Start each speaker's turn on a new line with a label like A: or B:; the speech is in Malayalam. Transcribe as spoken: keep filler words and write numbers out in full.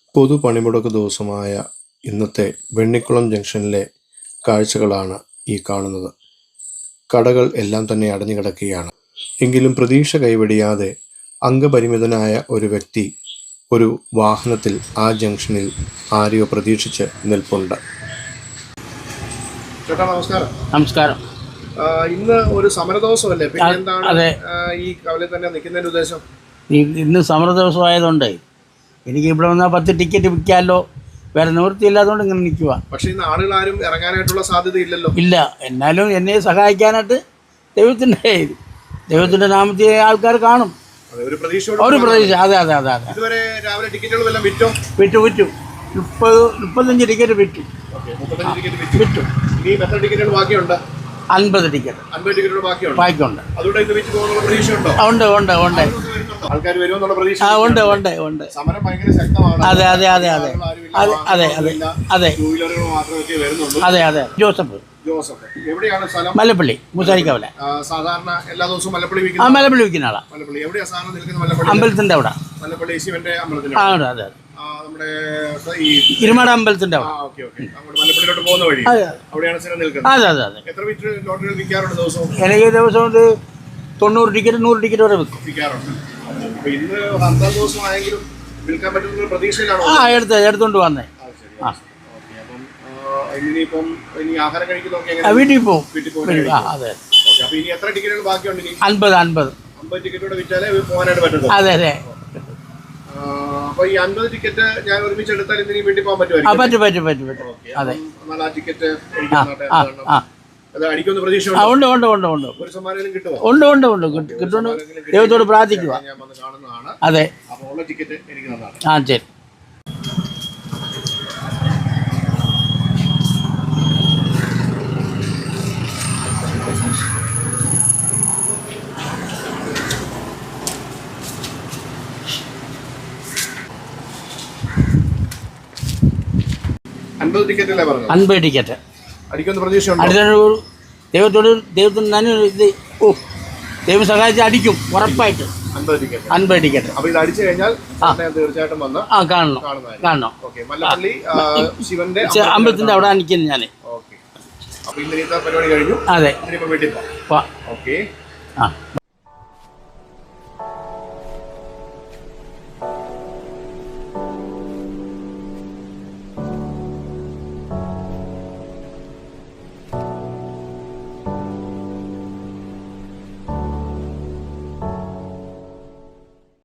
A: പൊതുപണിമുടക്ക് ദിവസമായ ഇന്നത്തെ വെണ്ണിക്കുളം ജംഗ്ഷനിലെ കാഴ്ചകളാണ് ഈ കാണുന്നത്. കടകൾ എല്ലാം തന്നെ അടഞ്ഞു കിടക്കുകയാണ്. എങ്കിലും പ്രതീക്ഷ കൈവെടിയാതെ അംഗപരിമിതനായ ഒരു വ്യക്തി ഒരു വാഹനത്തിൽ ആ ജംഗ്ഷനിൽ ആരെയോ പ്രതീക്ഷിച്ച് നിൽപ്പുണ്ട്. ചേട്ടാ നമസ്കാരം.
B: നമസ്കാരം.
A: ഇന്ന് ഒരു സമരദിവസമല്ലേ? പിന്നെ എന്താണ് ഈ കവലയിൽ തന്നെ നിൽക്കുന്നതിന്റെ ഉദ്ദേശം?
B: ഇന്ന് സമര ദിവസമായതുകൊണ്ട് എനിക്ക് ഇവിടെ വന്നാൽ പത്ത് ടിക്കറ്റ് വിൽക്കാമല്ലോ, വേറെ നിവൃത്തിയില്ലാത്തതുകൊണ്ട് ഇങ്ങനെ നിൽക്കുക.
A: പക്ഷേ ഇന്ന് ആളുകൾ ആരും ഇറങ്ങാനായിട്ടുള്ള സാധ്യത ഇല്ലല്ലോ.
B: ഇല്ല, എന്നാലും എന്നെ സഹായിക്കാനായിട്ട് ദൈവത്തിൻ്റെ ദൈവത്തിൻ്റെ നാമത്തിൽ ആൾക്കാർ കാണും.
A: ഒരു പ്രതീക്ഷ.
B: ഒരു പ്രതീക്ഷ. അതെ അതെ അതെ അതെ
A: ഇതുവരെ രാവിലെ ടിക്കറ്റുകളെല്ലാം വിറ്റോ?
B: വിറ്റു വിറ്റു മുപ്പത് മുപ്പത്തഞ്ച് ടിക്കറ്റ് വിറ്റു വിറ്റു.
A: ഇനി എത്ര ടിക്കറ്റുകൾ ബാക്കിയുണ്ട്?
B: അൻപത് ടിക്കറ്റ്.
A: അൻപത് ടിക്കറ്റുകൾ ബാക്കിയുണ്ട്.
B: ബാക്കിയുണ്ട്.
A: അതുകൊണ്ട് ഇത് വിറ്റ് പോകുന്നുള്ള പ്രതീക്ഷയുണ്ടോ?
B: ഉണ്ട് ഉണ്ട് ഉണ്ട്.
A: ആൾക്കാർ വരുമെന്നുള്ള പ്രതീക്ഷ.
B: ആ ഉണ്ട് ഉണ്ട് ഉണ്ട്.
A: സമരം ഭയങ്കര ശക്തമാണ്.
B: അതെ അതെ അതെ അതെ അതെ അതെ അതെ അതെ
A: ടൂ വീലറുകൾ മാത്രമേ വരുന്നുള്ളൂ.
B: അതെ അതെ. ജോസഫ്.
A: ജോസഫ് എവിടെയാണ് സ്ഥലം?
B: മല്ലപ്പള്ളി, മൂസാരിക്കവല.
A: സാധാരണ എല്ലാ ദിവസവും മല്ലപ്പള്ളി
B: ആ
A: വിൽക്കുന്ന
B: മല്ലപ്പള്ളി വിൽക്കുന്ന ആളാ.
A: മല്ലപ്പള്ളി എവിടെയാ സാധനം നിൽക്കുന്നത്? മല്ലപ്പള്ളി
B: അമ്പലത്തിന്റെ അവിടെ.
A: മല്ലപ്പള്ളി ശിവന്റെ അമ്പലത്തിന്റെ
B: ആ അതെ അതെ.
A: നമ്മുടെ ഈ
B: ഇരുമാട് അമ്പലത്തിന്റെ അവിടെ.
A: Okay okay. അങ്ങോട്ട് മല്ലപ്പള്ളിയിലോട്ട് പോകുന്ന വഴി അവിടെയാണ് സ്ഥലം നിൽക്കുന്നത്.
B: അതെ അതെ അതെ.
A: എത്ര മീറ്റർ ലോട്ടറികൾ വിൽക്കാറുണ്ട് ദിവസവും?
B: എനിക്ക് ദിവസം ഒരു തൊണ്ണൂറ് ടിക്കറ്റ് നൂറ് ടിക്കറ്റ് വരെ വിൽക്കും.
A: വിൽക്കാറുണ്ട്. അപ്പൊ ഇന്ന് അന്താം ദിവസം ആയെങ്കിലും വിൽക്കാൻ പറ്റുന്ന പ്രതീക്ഷയിലാണോ?
B: ആ എടുത്ത് എടുത്തോണ്ട് വന്നേ. ആ
A: ഇനിയിപ്പം ഇനി ആഹാരം കഴിക്കുന്നൊക്കെ
B: വീട്ടിൽ പോകും.
A: വീട്ടിൽ പോകും.
B: അതെ.
A: അപ്പൊ ഇനി എത്ര ടിക്കറ്റുകൾ ബാക്കിയുണ്ട്? ഇനി
B: അൻപത് അൻപത്
A: അമ്പത് ടിക്കറ്റോടെ വിറ്റാലേ പോകാനായിട്ട് പറ്റുള്ളൂ.
B: അതെ അതെ.
A: അപ്പൊ ഈ അൻപത് ടിക്കറ്റ് ഞാൻ ഒരുമിച്ച് എടുത്താൽ ഇനി വീട്ടിൽ പോകാൻ
B: പറ്റും പറ്റും പറ്റും പറ്റും. അതെ.
A: എന്നാൽ ആ ടിക്കറ്റ് അടിക്കുന്ന പ്രതീക്ഷ
B: ഉണ്ട് ഉണ്ട് ഉണ്ട് ഉണ്ട്.
A: ഒരു സമ്മാനം കിട്ടുമോ?
B: ഉണ്ട് ഉണ്ട് ഉണ്ട് കിട്ടുന്നു. ദൈവത്തോട് പ്രാർത്ഥിക്കുക.
A: ഞാൻ വന്ന് കാണുന്നതാണ്.
B: അതെ.
A: അപ്പോൾ ഉള്ള ടിക്കറ്റ് എനിക്ക് തന്നാണ്.
B: ആ ശരി.
A: അൻപത് ടിക്കറ്റല്ലേ പറഞ്ഞത്?
B: അൻപത് ടിക്കറ്റ്
A: അടിക്കുന്ന പ്രതീക്ഷയുണ്ടോ?
B: ദൈവത്തോട് ദൈവത്തിന് തന്നെ ഇത് ഓ ദൈവം സഹായിച്ച് അടിക്കും ഉറപ്പായിട്ട്.
A: അൻപത് ടിക്കറ്റ്
B: അൻപത് ടിക്കറ്റ്.
A: അപ്പോൾ ഇത് അടിച്ചു കഴിഞ്ഞാൽ തീർച്ചയായിട്ടും വന്ന്
B: ആ കാണണം കാണണം.
A: മല്ലപ്പള്ളി ശിവന്റെ
B: അമ്പലത്തിന്റെ അവിടെ നിൽക്കുന്നു ഞാൻ.
A: ഓക്കെ. അപ്പോൾ ഇന്നത്തെ പരിപാടി കഴിഞ്ഞു.
B: അതെ.
A: ഇനിയിപ്പോൾ വീട്ടിൽ പോവാം.
B: വാ.
A: ഓക്കെ.
B: ആ